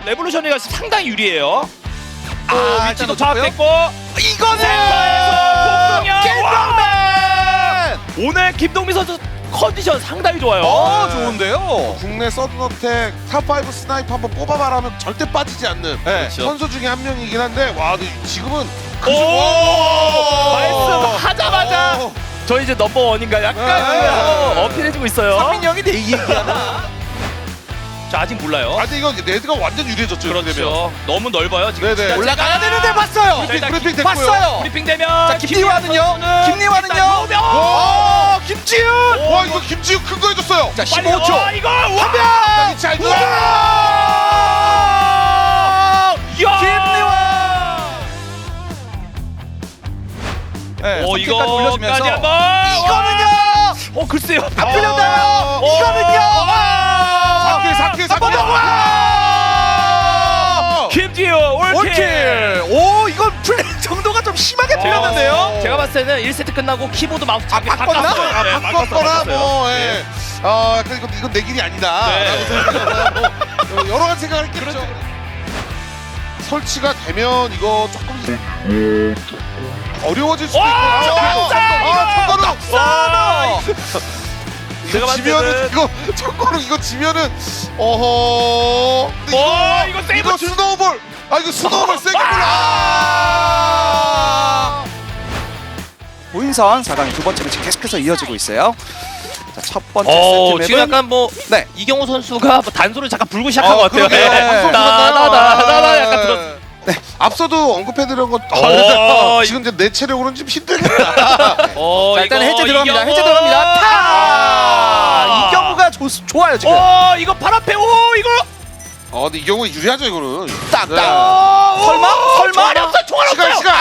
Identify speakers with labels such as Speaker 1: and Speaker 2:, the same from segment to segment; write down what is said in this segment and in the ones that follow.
Speaker 1: 레볼루션이가 상당히 유리해요. 위치도
Speaker 2: 놓쳤고요.
Speaker 1: 파악됐고
Speaker 2: 이거는
Speaker 1: 센터에서 공동현.
Speaker 2: 김동민!
Speaker 1: 오늘 김동민 선수 컨디션 상당히 좋아요.
Speaker 2: 좋은데요.
Speaker 3: 국내 서든어택 탑5 스나이퍼 한번 뽑아봐라 하면 절대 빠지지 않는
Speaker 1: 그렇죠.
Speaker 3: 선수 중에 한 명이긴 한데 와 근데 지금은
Speaker 1: 말씀하자마자 저 이제 넘버 원인가 약간 어필해주고 있어요.
Speaker 2: 민영이 내 얘기하나?
Speaker 1: 자 아직 몰라요.
Speaker 3: 아 근데 이거 레드가 완전 유리해졌죠. 이렇게 되면.
Speaker 1: 그렇죠. 너무 넓어요 지금.
Speaker 3: 네네.
Speaker 2: 올라가야 되는데 봤어요.
Speaker 1: 자, 일단
Speaker 3: 브리핑 됐고요.
Speaker 2: 봤어요.
Speaker 1: 브리핑 되면
Speaker 2: 자, 김리환은요? 김리환은요? 김지훈!
Speaker 3: 와 이거 김지우 큰 거 해줬어요.
Speaker 2: 자, 15초.
Speaker 1: 이거 와!
Speaker 3: 자, 잘 들어.
Speaker 2: 김리환! 네,
Speaker 1: 오
Speaker 2: 이거까지 올려주면서
Speaker 1: 이거까지 한번.
Speaker 2: 이거는요!
Speaker 1: 글쎄요.
Speaker 2: 다 풀렸나요? 이거는요!
Speaker 3: 4킬.
Speaker 1: 김지우
Speaker 2: 올킬!
Speaker 1: 올킬.
Speaker 2: 오, 이건 플레이 정도가 좀 심하게 틀렸는데요?
Speaker 1: 제가 봤을 때는 1세트 끝나고 키보드 마우스 잡기
Speaker 2: 바꿨나?
Speaker 1: 바꿨어요. 네,
Speaker 3: 바꿨거나 뭐
Speaker 1: 네.
Speaker 3: 예. 약간 이건 내 길이 아니다.
Speaker 1: 네.
Speaker 3: 라고 생각해서 뭐 여러 가지 생각을 했겠죠. 설치가 되면 이거 조금 어려워질 수도 있고. 참고로
Speaker 1: 제가 봤을
Speaker 3: 지면은 이거 참고로 이거 지면은 어허. 근데
Speaker 1: 이거 세이브
Speaker 3: 이거 스노우볼. 이거 스노우볼 세게 불러.
Speaker 2: 고인선 4강의 두 번째 매치 계속해서 이어지고 있어요. 자, 첫 번째 세트
Speaker 1: 지금
Speaker 2: 맵은
Speaker 1: 약간 뭐
Speaker 2: 네.
Speaker 1: 이경호 선수가 뭐 단소를 잠깐 불고 시작한 것 같아요.
Speaker 3: 그러게요. 방송
Speaker 1: 나나나나 약간 들었.
Speaker 3: 네. 앞서도 언급해드린 것 지금 이제 내 체력으로는 좀 힘들겠다.
Speaker 2: 자, 일단 해제 들어갑니다. 해제 들어갑니다. 타! 이경우가 좋아요 지금.
Speaker 1: 이거 발 앞에 이거
Speaker 3: 근데 이 경우에 유리하죠 이거는.
Speaker 2: 딱딱.
Speaker 3: 네.
Speaker 2: 설마?
Speaker 1: 총알이 없어 총알 없어요.
Speaker 3: 시간.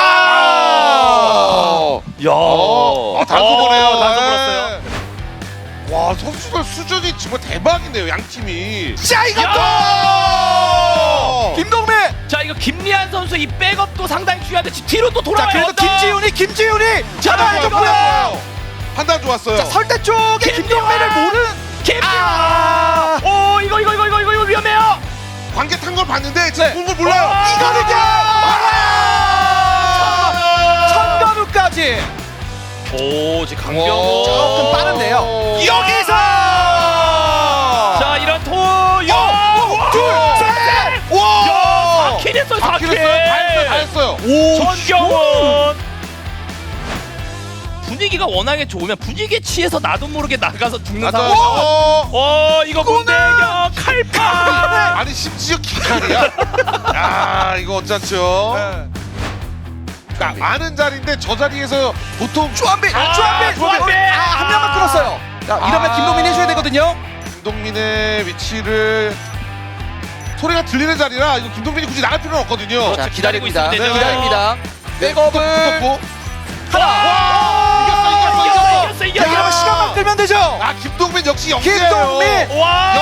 Speaker 1: 야
Speaker 3: 단소 보네요.
Speaker 1: 단소 불었어요.
Speaker 3: 와 선수들 수준이 정말 대박인데요 양 팀이.
Speaker 2: 자, 이것도! 김동민!
Speaker 1: 자 이거 김리한 선수 이 백업도 상당히 중요한데 지금 뒤로 또
Speaker 2: 자,
Speaker 1: 돌아와요.
Speaker 2: 그래도 김지훈이 잡아줬고요.
Speaker 3: 판단 좋았어요.
Speaker 2: 자, 설대 쪽에 김동민을 모르는
Speaker 1: 김리한. 이거 위험해요.
Speaker 3: 관계 탄 걸 봤는데 지금 공을 몰라요.
Speaker 2: 이거는요! 천가루까지
Speaker 1: 지금 강경호
Speaker 2: 조금 빠른데요.
Speaker 1: 여기서 자 이런
Speaker 2: 둘, 셋!
Speaker 1: 야 4킬 했어요 4킬
Speaker 3: 다 했어요.
Speaker 1: 전경원 분위기가 워낙에 좋으면 분위기에 취해서 나도 모르게 나가서 죽는 상황. 이거 문대경 칼파.
Speaker 3: 아니 심지어 기칼이야. 야 이거 어쩌죠? 그러니까 아는 자리인데 저 자리에서 보통
Speaker 2: 조한빈!
Speaker 1: 조한빈!
Speaker 2: 한 명만 끊었어요. 자, 이러면 김동민 해줘야 되거든요.
Speaker 3: 김동민의 위치를 소리가 들리는 자리라 이거 김동민이 굳이 나갈 필요는 없거든요.
Speaker 2: 자,
Speaker 1: 기다리고
Speaker 2: 기다립니다.
Speaker 1: 있으면 되죠.
Speaker 2: 기다립니다. 백업을
Speaker 3: 붙었고.
Speaker 1: 이겼어.
Speaker 2: 자, 이러면 시간만 끌면 되죠.
Speaker 3: 김동민 역시 영재예요.
Speaker 2: 김동민!
Speaker 1: 와.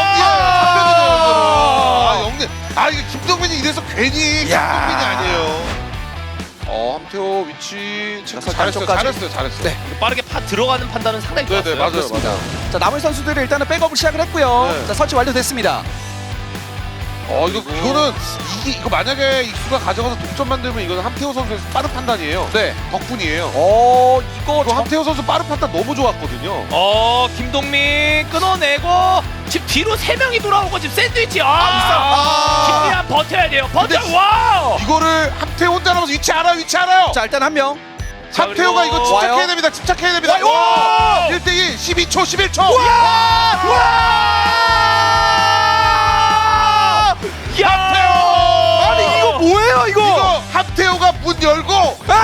Speaker 3: 영재. 이거 김동민이 이래서 괜히 김동민이 아니에요. 함태호 위치 잘했어요.
Speaker 2: 네.
Speaker 1: 빠르게 들어가는 판단은 상당히 좋았어요.
Speaker 3: 맞아요.
Speaker 2: 그렇습니다. 자, 나머지 선수들이 일단은 백업을 시작을 했고요.
Speaker 3: 네.
Speaker 2: 자, 설치 완료됐습니다.
Speaker 3: 이거는 이거 만약에 익수가 가져가서 동점 만들면 이거는 함태호 선수의 빠른 판단이에요.
Speaker 2: 네.
Speaker 3: 덕분이에요.
Speaker 2: 이거
Speaker 3: 함태호 선수 빠른 판단 너무 좋았거든요.
Speaker 1: 김동민 끊어내고 지금 뒤로 3명이 돌아오고 지금 샌드위치 김리한 버텨야 돼요. 와우.
Speaker 3: 이거를 함태호 혼자 남아서 위치 알아요.
Speaker 2: 자, 일단 한 명.
Speaker 3: 함태호가 이거
Speaker 2: 와요.
Speaker 3: 침착해야 됩니다.
Speaker 1: 와요.
Speaker 3: 1대1 12초 11초.
Speaker 1: 야!
Speaker 2: 아니, 이거 뭐예요, 이거?
Speaker 3: 이거 함태호가 문 열고